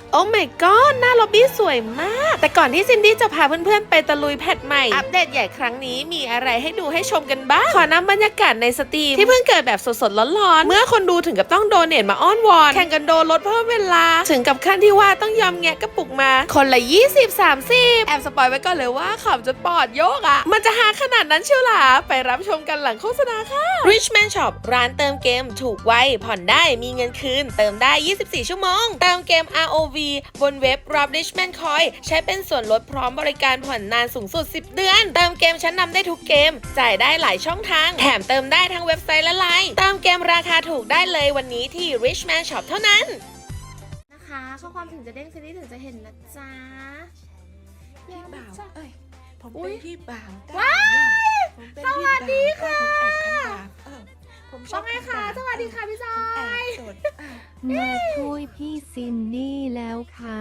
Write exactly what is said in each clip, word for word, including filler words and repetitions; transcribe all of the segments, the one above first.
โอ้ my god หน้าล็อบบี้สวยมาก แต่ก่อนที่ซินดี้จะพาเพื่อนๆไปตะลุยแพทใหม่อัปเดตใหญ่ครั้งนี้มีอะไรให้ดูให้ชมกันบ้างขอนำบรรยากาศในสตรีมที่เพิ่งเกิดแบบสดๆร้อนๆเมื่อคนดูถึงกับต้องโดเนทมาอ้อนวอนแข่งกันโดนลดเพิ่มเวลาถึงกับขั้นที่ว่าต้องยอมแงะกระปุกมาคนละยี่สิบ สามสิบแอบสปอยไว้ก่อนเลยว่าขำจนปอดโยกอ่ะมันจะหาขนาดนั้นเชียวหรอไปรับชมกันหลังโฆษณาค่ะ Richman Shop ร้านเติมเกมถูกไวผ่อนได้มีเงินคืนเติมได้ยี่สิบสี่ชั่วโมงเติมเกม อาร์ โอ วี บนเว็บ รับ Richman Coin ใช้เป็นส่วนลดพร้อมบริการผ่อนนานสูงสุดสิบเดือนเติมเกมชั้นนำได้ทุกเกมจ่ายได้หลายช่องทางแถมเติมได้ทั้งเว็บไซต์และไลน์เติมเกมราคาถูกได้เลยวันนี้ที่ Richman Shop เท่านั้นนะคะข้อความถึงจะเด้งซีรีส์ถึงจะเห็นนะจ๊ะพี่บ่าวเอ้ยผมเป็นพี่บ่าวว้ายสวัสดีค่ะผมชว่าอบไงคะสวัสดีค่ะพี่จอแอบยสดมาช่วยพี่ซินนี่แล้วค่ะ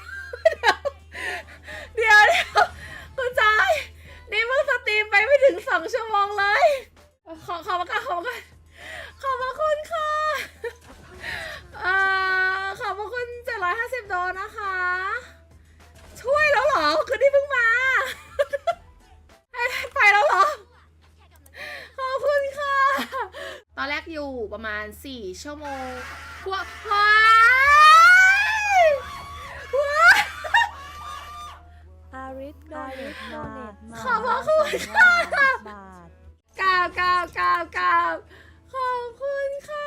เดี๋ยวเดี๋ยวคุณจอยนี่เพิ่งสตรีมไปไม่ถึงสองชั่วโมงเลยขอขอบคุณขอบคุณขอบพระคุณค่ะเอ่อขอบพระคุณเจ็ดร้อยห้าสิบโดนนะคะ ช่วยแล้วเหรอคือนี่เพิ่งมาไปแล้วเหรอขอบคุณค่ะตอนแรกอยู่ประมาณสี่ชั่วโมงกว่าว้ายว้ายอาริสโดเนตมาขอบพระคุณค่ะบาทกราบกราบกราบกราบขอบคุณค่ะ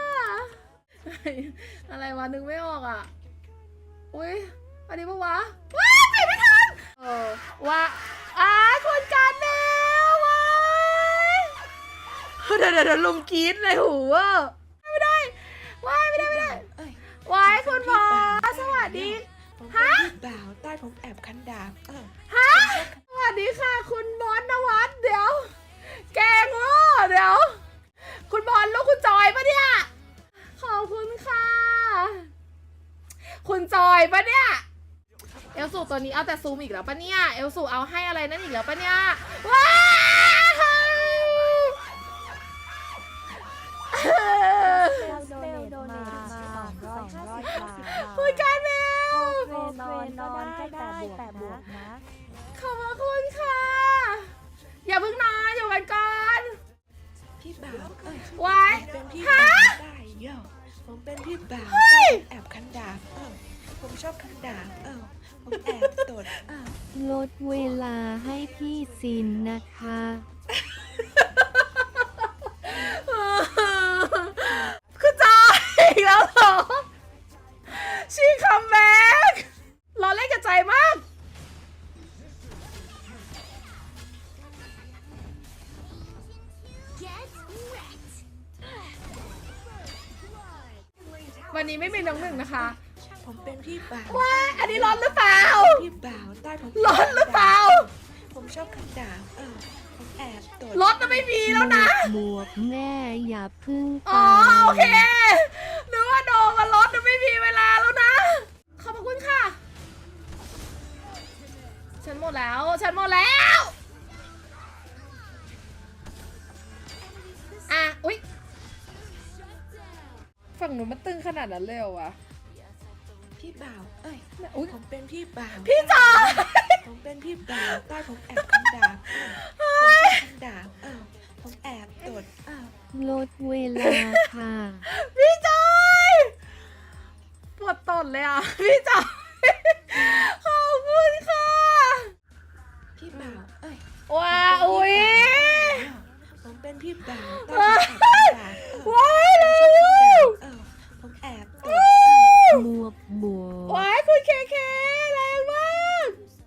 อะไรวะนึกไม่ออกอ่ะ อุ้ยอันนี้ปะวะว้ายไปไม่ทันเออว่าอ้าคนการแมวว้ายเดี๋ยวเดี๋ยวเดี๋ยวลุมกรี๊ดเลยหูว่าไม่ได้ว้ายไม่ได้ไม่ได้เอ้ยว้ายคุณหมอสวัสดีผมเป็นพี่บ่าวใต้ผมแอบคันดาบเออฮะสวัสดีค่ะคุณบอลนวัดเดี๋ยว แกงโง่เดี๋ยว คุณบอลลูกคุณจอยปะเนี่ยขอบคุณค่ะ คุณจอยปะเนี่ยเอลสูตัวนี้เอาแต่ซูมอีกแล้วปะเนี่ยเอลสูเอาให้อะไรนั่นอีกแล้วปะเนี่ยว้าวเซลโดเนตมาสองร้อยบาทคุณการเมลเทรนอนก็ได้แต่บวกแต่บวกนะขอบพระคุณค่ะ อย่าเพิ่งนอนอยู่กันก่อนพี่บ่าวเอ้ยไว้ผมเป็นพี่ฮะบ่าวได้เยอะผมเป็นพี่บ่าวใต้ผมแอบคันดาบเออผมชอบคันดาบเออผมแอบตดเออลดเวลาให้พี่ซินนะคะคือจอยอีกแล้วเหรอชีคัมแบ็กเราเล่นกับใจมากวันนี้ไม่มีน้องหนึ่งนะคะผมเป็นพี่บ่าวว้ายอันนี้ร้อนหรือเปล่าพี่บ่าวใต้ผมร้อนหรือเปล่าผมชอบคันดาบเออผมแอบตดรถจะไม่มีแล้วนะหมวกแม่อย่าพึ่งอ๋อตายโอเคนึกว่าโดนกับรถจะไม่มีเวลาแล้วนะ ขอบพระคุณค่ะ ฉันหมดแล้ว ฉันหมดแล้ว อ่ะ อุ๊ย ฝั่งหนูมันตึงขนาดนั้นเลยเหรอวะพี่บ่าวเอ้ยอุ๊ยผมเป็นพี่บ่าวพี่จอยผมเป็นพี่บ่าวใต้ผมแอบคันดาบเออผมชอบคันดาบเออผมแอบตดเออลดเวลาค่ะพี่จอยปวดตดเลยอ่ะ พี่จอย ขอบคุณค่ะพี่บ่าวเอ้ยว้าอุ๊ยผมเป็นพี่บ่าวใต้ผมแอบคันดาบเออว้ายเร็วเออผมแอบตดหมวกบวกว้ายคุณเคเคแรงมาก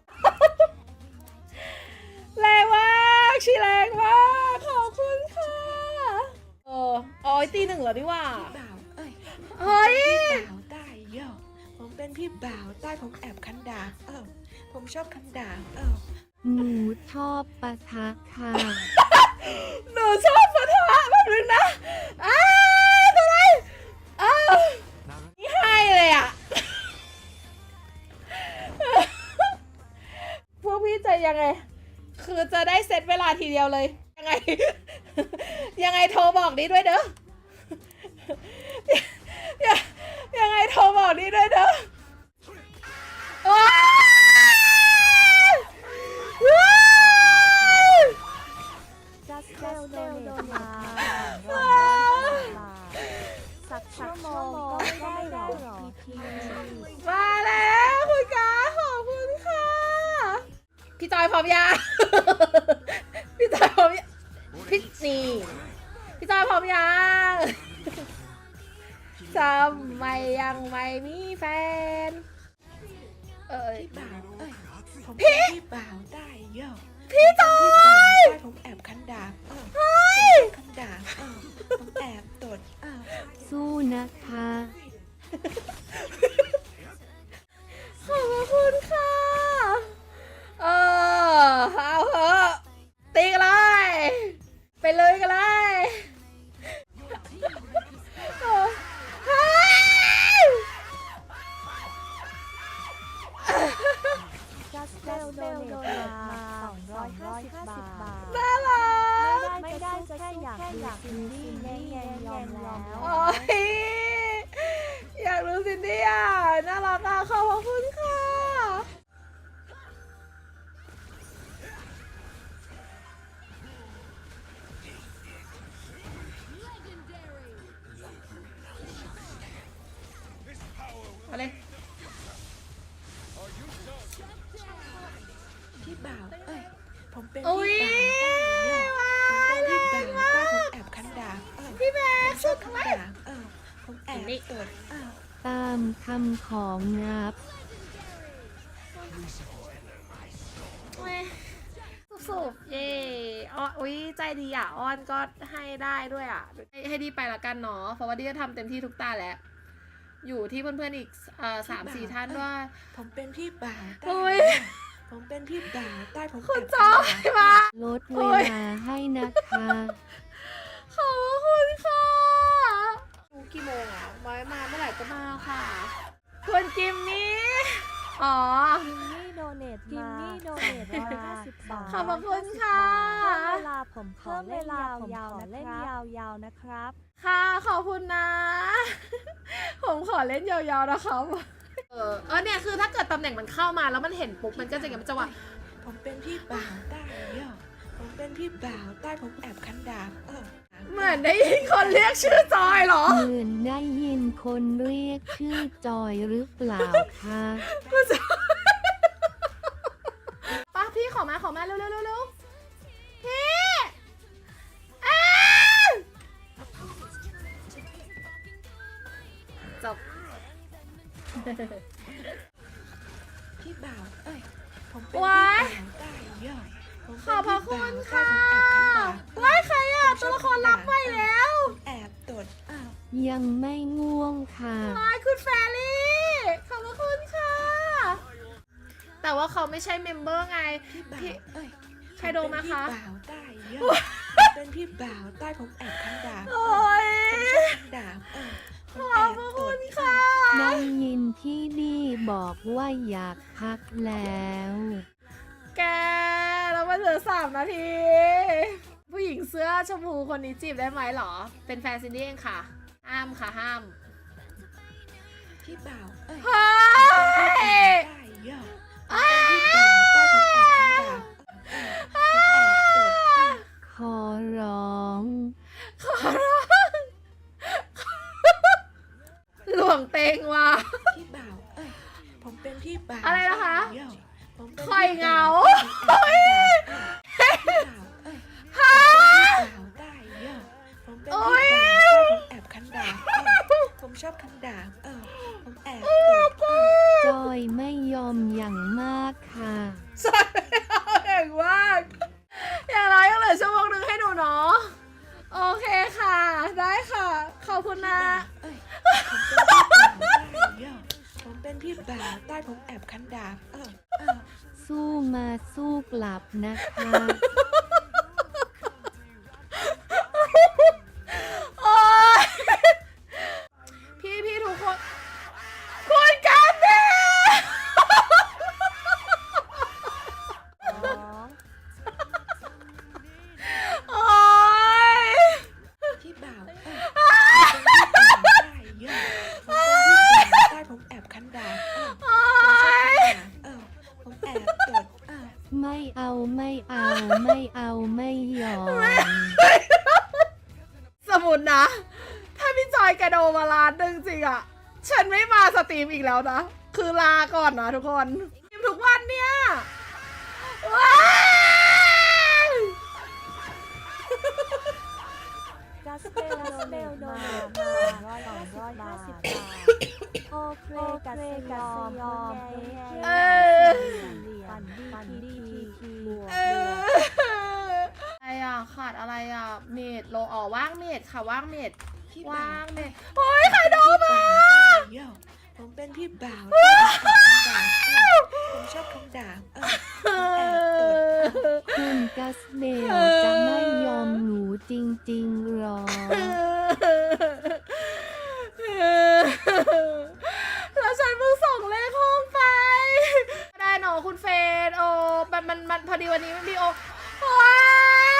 แรงมากชีแรงมากขอบคุณค่ะเอออ๋อตีหนึ่งเหรอนี่ว่าพี่บ่าวเอ้ยเฮ้ยพี่บ่าวใต้เยอะผมเป็นพี่บ่าวใต้ผมแอบคันดาบเออผมชอบคันดาบเออหนูชอบปะทะค่ะหนูชอบปะทะแบบนึงนะอ้าวอะไรอ้าวนี่ให้เลยอ่ะ พวกพี่จะยังไง คือจะได้เซตเวลาทีเดียวเลย ยังไง ยังไงโทรบอกนี้ด้วยเด้อ ยังไงโทรบอกนี้ด้วยเด้อพร้อมยัง พี่จอยพร้อมยังพี่นี่พี่จอยพร้อมยังทำไมยังไม่มีแฟนเอ้ยพี่บ่าวเอ้ยผมเป็นพี่บ่าวได้เยอะพี่จอยได้ผมแอบคันดาบเออผมคันดาบเออผมแอบตดเออสู้นะคะขอบคุณค่ะเออเอาเถอะตีกันเลยไปเลยกันเลยเออเฮ้ยจัสเซลโดเนทมาสองร้อยห้าสิบบาทน่ารักไม่ได้จะแค่อยากดูซินดี้แน่แน่ยอมแล้วโอ้ยอยากรู้ซินดี้อ่ะน่ารักอ่ะขอบคุณค่ะเอาเลยพี่บ่าวเอ้ยผมเป็นอุ๊ยพี่บ่าวได้เยอะผมเป็นพี่บ่าวได้ผมแอบคันดาบเออพี่แม่ผมชสุอบดคันไว้ดาบเออผมแอบตดเออตามคำของงับสุบๆเย่อ้อนอุ้ยใจดีอ่ะอ้อนก็ให้ได้ด้วยอ่ะให้ให้ดีไปละกันเนาะเพราะว่าดีก็ทำเต็มที่ทุกตาแล้ว อยู่ที่เพื่อนๆอีกเอ่อสามสี่ท่านด้วยผมเป็นพี่บ่าวได้โอ้ยเยอะผมเป็นพี่บ่าวได้ผมคุณแอบจอยคันดาบมาลดเวลาให้นะคะขอบคุณค่ะดูกี่โมงอ่ะไว้มาเมื่อไหร่ก็มาค่ะคุณจิมมี่อ๋อกิมมี่โดเนทมากิมมี่โดเนทร้อยห้าสิบบาทขอบคุณค่ะเวลาผมขอเล่นยาวๆเล่นยาวๆนะครับค่ะขอบคุณนะ ผมขอเล่นยาวๆนะครับเออเออเนี่ยคือถ้าเกิดตำแหน่งมันเข้ามาแล้วมันเห็นปุ๊บมันก็จะอย่างมันจะว่าผมเป็นพี่บ่าวได้เยอะผมเป็นพี่บ่าวได้ผมแอบคันดาบเออเหมือนได้ยินคนเรียกชื่อจอยเหรอเหมือนได้ยินคนเรียกชื่อจอยหรือเปล่าคะกูจะป้าพี่ขอมาขอมาเร็วเร็วเร็วเร็วพี่อ้าวจบพี่บ่าวเอ้ยผมเป็นพี่ว้าบ่าวย ได้เยอะผมขเป็นอบพระพี่คุบ่าวณได้ค่ะผมแอบคันดาบเออว้ายใครอ่ะตัวละครรับไปแล้วแอบตดเออยังไม่ง่วงค่ะว้ายคุณแฟรี่ขอบพระคุณค่ะ แต่ว่าเขาไม่ใช่เมมเบอร์ไงพี่บ่าวพี่เอ้ยใครโดนมาคะผมเป็นพี่บ่าวได้เยอะผมเป็นพี่บ่าวได้ผมแอบคันดาบเอโอ้อย ผมชอบคันดาบเออผมขแออบบ พระตคุดณเอค่ะอได้ยินที่ดีบอกว่าอยากพักแล้วแกเรามาเหลือสามนาที ผู้หญิงเสื้อชมพูคนนี้จีบได้ไหมหรอ เป็นแฟนซินดี้เองค่ะ ห้ามค่ะห้ามพี่บ่าวเอ้ยเฮ้ยได้เยอะผมเป็นพี่บ่าวได้ผมแอบคันดาบเออผมแอบตดเออขอร้องขอร้องหลวงเตงว่ะพี่บ่าวเอ้ยผมเป็นพี่บ่าวอะไรนะคะเยผมเป็นคอยเหงาพี่บ่าวเอ้ยพี่บ่าวได้เยอะผมเป็นพี่บ่าวผมแอบคันดาบเออผมชอบคันดาบเออผมแอบตดเออจอยไม่ยอมอย่างมากค่ะใช่เก่งมากอย่างไรยังเหลือชั่วโมงหนึ่งให้หนูเนาะโอเคค่ะ ได้ค่ะ ขอบคุณนะเอ้ยผมเป็นพี่บ่าวได้เยอะผมเป็นพี่บ่าวได้ผมแอบคันดาบเออเออสู้มาสู้กลับนะคะโอ๊ยพี่พี่ทุกคน คุณกันเดสองโอ๊ยพี่บ่าวเอ้ยผมเป็นพี่บ่าวได้เยอะผมเป็นพี่บ่าวได้ผมแอบคันดาบเออโอ๊ยเออผมแอบตดเออไม่เอาไม่เอาไม่เอาไม่ยอมสมุนนะ ถ้าพี่จอยแกโดมาล้านหนึ่งจริงอะฉันไม่มาสตรีมอีกแล้วนะ คือลาก่อนนะทุกคนสตรีมทุกวันเนี่ยว้ายกัสเบลกัสเบลโดนร้อยร้อยห้าสิบบาทโอเคกัสยอมยอมเออปั่นดีปั่นดีทีบวกเอออะไรอ่ะขาดอะไรอ่ะเมดโลอ๋อว่างเมดค่ะว่างเมดพี่ว่าบ่าวงเมดโอ้ยใครโดนมาโย่ผมเป็นพี่บ่าวใต้ผมแอบคำด่าเออผมชอบคำด่าเออผมแอบตดคุณกัสเบลจะไม่ยอมหนูจริงๆหรอแล้วฉันเพิ่งส่งเลขห้องไปไม่ได้หนอคุณเฟนโอ้มันมันมันพอดีวันนี้มันมีโอว้า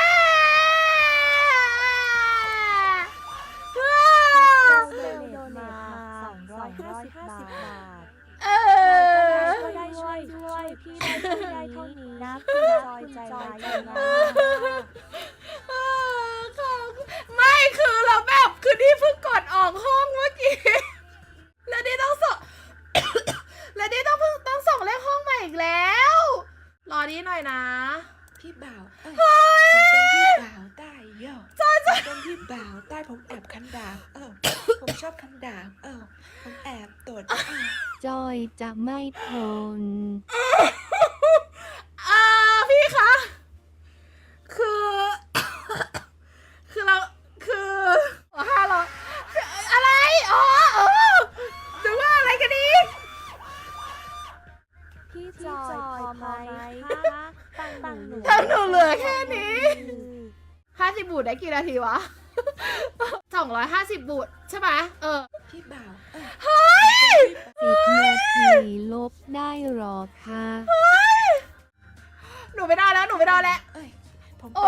กัสเบลโดนมาสองร้อยห้าสิบบาทเออก็ได้ช่วยด้วยพี่ได้ช่วยได้เท่านี้นะคุณจอยใจร้ายนะเออค่ะไม่คือเราแบบคือนี่เพิ่งกดออกห้องเมื่อกี้ แล้วนี่ต้องส่ง แล้วนี่ต้องเพิ่งต้องส่งเลขห้องใหม่อีกแล้ว รอนี้หน่อยนะพี่บ่าวเอ้ยผมเป็นพี่บ่าวใต้โย่ผมเป็นพี่บ่าวใต้ผมแอบคันดาบเออผมชอบคันดาบเออผมแอบตดเออจอยจะไม่ทนอ่าพี่คะคือ คือเราคือห้าร้อยอะไรอ๋อเออดูว่าอะไรกันดีพี่จอยพอไหมคะตั้งตั้งหนูตั้งหนูเหลือแค่นี้ห้าสิบบูทได้กี่นาทีวะ สองร้อยห้าสิบบูทใช่ไหมเออพี่บ่าวเอ้ยสิบนาทีลบได้หรอคะหนูไม่ได้แล้วหนูไม่ได้แล้วเอ้ยผมโอ๊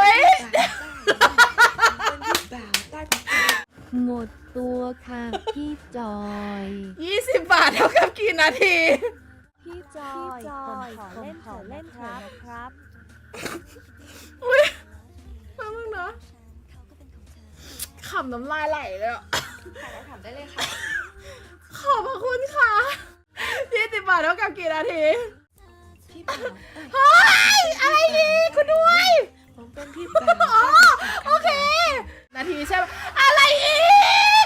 เป็นยพี่บ่าวใต้ผมเป็นพี่บ่าวใต้ผมแอบหมดตัวค่ะพี่จอยยี่สิบบาทเท่ากับกี่นาทีพี่จอยผมขอเล่นขอเล่นเถอะนะครับอุ้ยมามึงเนาะขำน้ำลายไหลเลยอ่ะถามได้เลยค่ะขอบพระคุณค่ะยี่สิบบาทเท่ากับกี่นาทีพี่บ่าวเอ้ยเฮ้ย อะไรดีคุณด้วยผมเป็นพี่บ่าวอ๋อ โอเค นาทีใช่ไหมอะไรอีก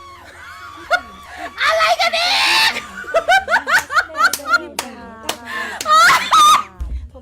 อะไรกันอีกพี่บ่าวใต้ผม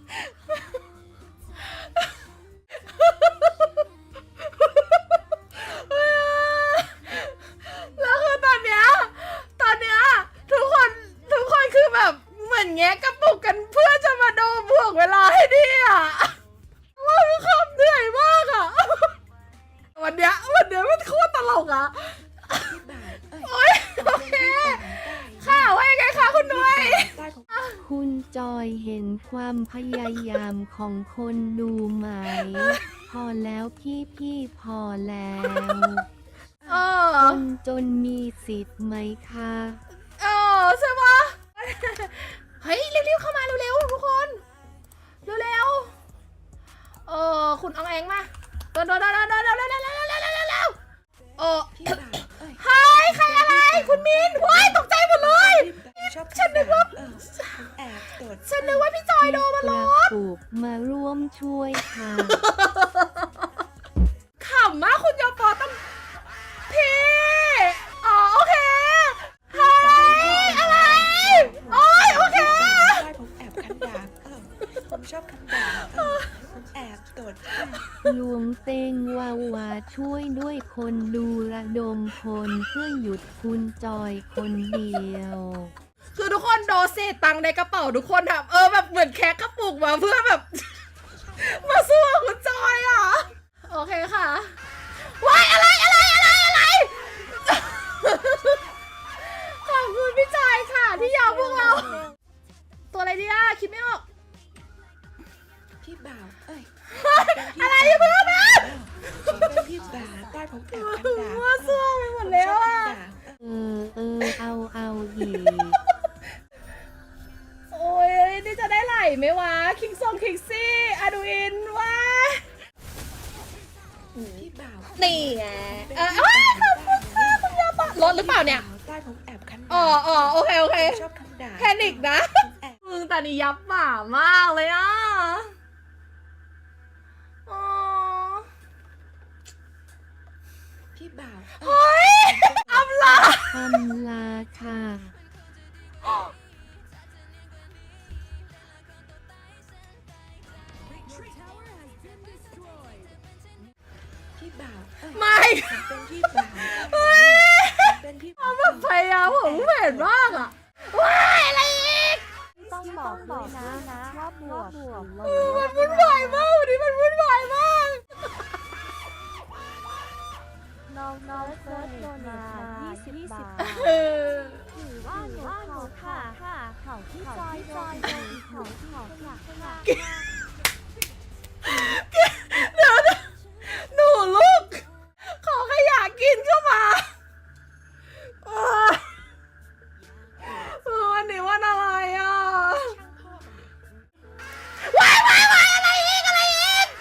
แล้วคือตอนเนี้ย ตอนเนี้ยทุกคนทุกคนคือแบบเหมือนแงะกระปุกกันเพื่อจะมาโดนบวกเวลาให้ดีอ่ะว่าคือคำเหนื่อยมากอ่ะ วันเนี้ยวันเนี้ยมันโคตรตลกอ่ะพี่บ่าวเอ้ยโอ๊ยโอเค ค่ะว่ายังไงคะคุณด้วยใต้ผมคุณจอยเห็นความพยายามของคนดูไหม พอแล้วพี่พี่พอแล้วเออคนจนมีสิทธิ์ไหมคะเออใช่ปะเฮ้ยเร็วๆเข้ามาเร็วๆทุกคนเร็วๆเออคุณอองแองมาเดินเดินเดินเดินเดินเดินเดินเดินเดินเดินเดินเออพี่บ่าวเอ้ยเฮ้ยใครอะไรคุณมินว้ายตกใจหมดเลยผมชอบฉันนึกว่าเออผมแอบตดฉันนึกว่าพี่จอยโดนมากล้ระอปุกมาร่วมช่วยค่ะขำมากคุณยอปอต้องพี่อ๋อโอเคเฮ้ยอะไรโอ้ยโอเคใต้ผมแอบคันดาบเออผมชอบคันดาบเออผมแอบตดเออหลวงเตงวาวาช่วยด้วยคนดูระดมพลเพื่อหยุดคุณจอยคนเดียวคือทุกคนโดนเศษตังค์ในกระเป๋าทุกคนแบบเออแบบเหมือนแคะกระปุกมาเพื่อแบบ มาสู้กับคุณจอยอ่ะ โอเคค่ะว้ายอะไรอะไรอะไรอะไร ขอบคุณพี่จอยค่ะ ที่ยอมพวกเรา ตัวอะไรดีอ่ะคิดไม่ออกพี่บ่าวเอ้ยอะไรที่เพื่อนนะผมเป็นพี่บ่าวใต้ผมแอบคันดาบว่าซั่วไปหมดแล้วอ่ะเออเออเอาเอาอีกโอ้ยนี่จะได้ไหลไหมวะ คิงซองคิงซี่อาดูอินวะพี่บ่าวนี่ไงเออเอ้ยขอบคุณค่ะคุณยาปะรถหรือเปล่าเนี่ยใต้ผมแอบคันดาบอ๋ออ๋อโอเคโอเคชอบคันดาบแพนิกนะผมแอบมึงแต่นี่ยับหมามากเลยอ่ะอ๋อพี่บ่าวเฮ้ยอำลาอำลาค่ะพี่บ่าวเอ้ยไม่ผมเป็นพี่บ่าวผมเป็นพี่บ่าวแบบพยายามผมเห็นมากอ่ะว้ายอะไรอีกต้องบอกด้วยนะนะว่าบวกบวกลบมันวุ่นวายมากวันนี้มันวุ่นวายมากน้องน้องเฟิร์สโดนมายี่สิบบาทเออถือว่าหนูเขาค่ะค่ะเขาที่จอยจอยจอยเขาเขาค่ะค่ะเดี๋ยวนะหนูลูก ขอขยะกินเข้ามาเออเออวันนี้วันอะไรอ่ะว้ายว้ายว้ายอะไรอีกอะไรอีก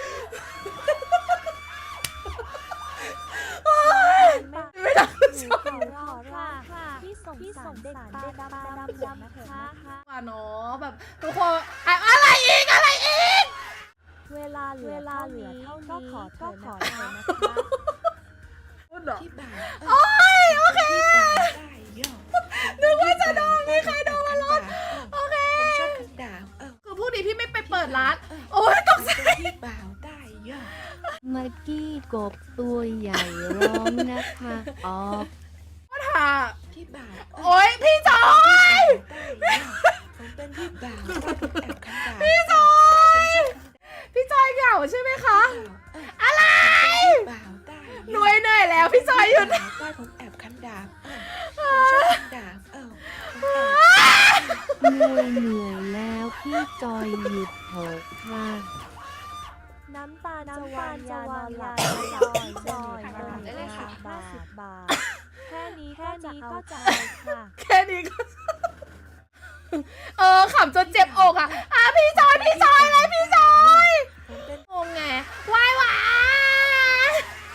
โอ๊ยไม่ได้หนูขอรอค่ะค่ะที่ส่งที่ส่งเด็กตาดำดำดำนะคะว่าเนาะแบบทุกคนอะอะไรอีกอะไรอีกเวลาเหลือเวลาเหลือเท่านี้ก็ขอก็ขอเถอะนะคะพูดเหรอพี่บ่าวโอ้ยโอเคพี่บ่าวได้ย่อนึกว่าจะโดนมีใครโดนมาลดโอเคผมชอบคันดาบเออคือพวกนี้พี่ไม่ไปเปิดร้าน โอ้ยตกใจผมเป็นพี่บ่าวได้ย่อมักกี้กบตัวใหญ่ร้องนะคะออฟค่ะพี่บ่าวโอ้ยพี่จอยได้ย่อผมเป็นพี่บ่าวได้ผมแอบคันดาบพี่จอผมยชอบพี่จอยเหงาใช่ไหมคะคันดาบเอออะไรพี่บ่าวได้หน่วยเหนื่อยแล้วพี่จอยหยุดได้ผมแอบคันดาบเออผมชอบคันดาบเออผมแอบเหนื่อยเหนื่อยแล้วพี่จอยหยุดเถอะค่ะน้ำตาจะวางยานอนหลับจอยจอยจอยได้เลยค่ะห้าสิบบาท แค่นี้แค่นี้ก็จะเอาค่ะแค่นี้ก็ เออขำจนเจ็บอกอ่ะอ่ะพี่จอยพี่จอยอะไรพี่จอยผมเป็นงงไงวายวาย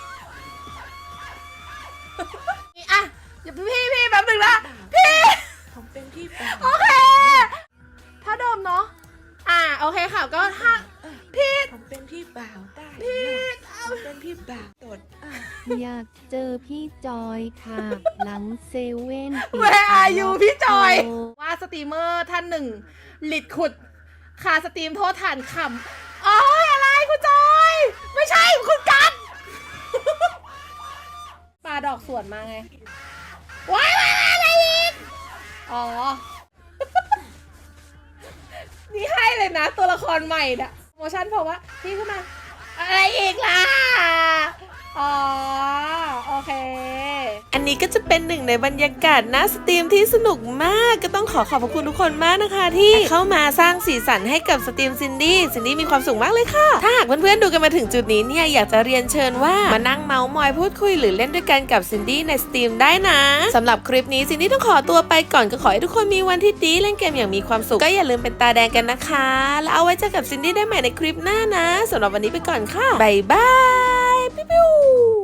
นี่อ่ะอย่าพี่พี่แป๊บนึงนะพี่ผมเป็นพี่บ่าวโอเค ถ้าเดิมเนาะ อ่า โอเคค่ะ ก็ถ้า พี่ผมเป็นพี่บ่าวได้พี่ผมเป็นพี่บ่าวตดเอออยากเจอพี่จอยค่ะ หลังเซเว่นปิด Where are you พี่จอยโว่าสตรีมเมอร์ท่านหนึ่งหลิดขุด คาสตรีมโทษฐานขำอ๋ออะไรคุณจอย ไม่ใช่คุณกันปลาดอกสวนมาไง ว้ายว้ายว้ายอะไรอีก อ๋อ นี่ให้เลยนะ ตัวละครใหม่น่ะโมชั่นเพราะว่าพี่ขึ้นมา อะไรอีกล่ะ อ๋อ โอเค อันนี้ก็จะเป็นหนึ่งในบรรยากาศหน้าสตรีมที่สนุกมาก ก็ต้องขอขอบพระคุณทุกคนมากนะคะ ที่เข้ามาสร้างสีสันให้กับสตรีมซินดี้ซินดี้มีความสุขมากเลยค่ะ ถ้าหากเพื่อนๆดูกันมาถึงจุดนี้เนี่ยอยากจะเรียนเชิญว่ามานั่งเมาส์มอยพูดคุยหรือเล่นด้วยกันกับซินดี้ในสตรีมได้นะสำหรับคลิปนี้ซินดี้ต้องขอตัวไปก่อนก็ขอให้ทุกคนมีวันที่ดีเล่นเกมอย่างมีความสุขก็อย่าลืมเป็นตาแดงกันนะคะ แล้วเอาไว้เจอกับซินดี้ได้ใหม่ในคลิปหน้านะสำหรับวันนี้ไปก่อนค่ะบ๊ายบายปิ๊ว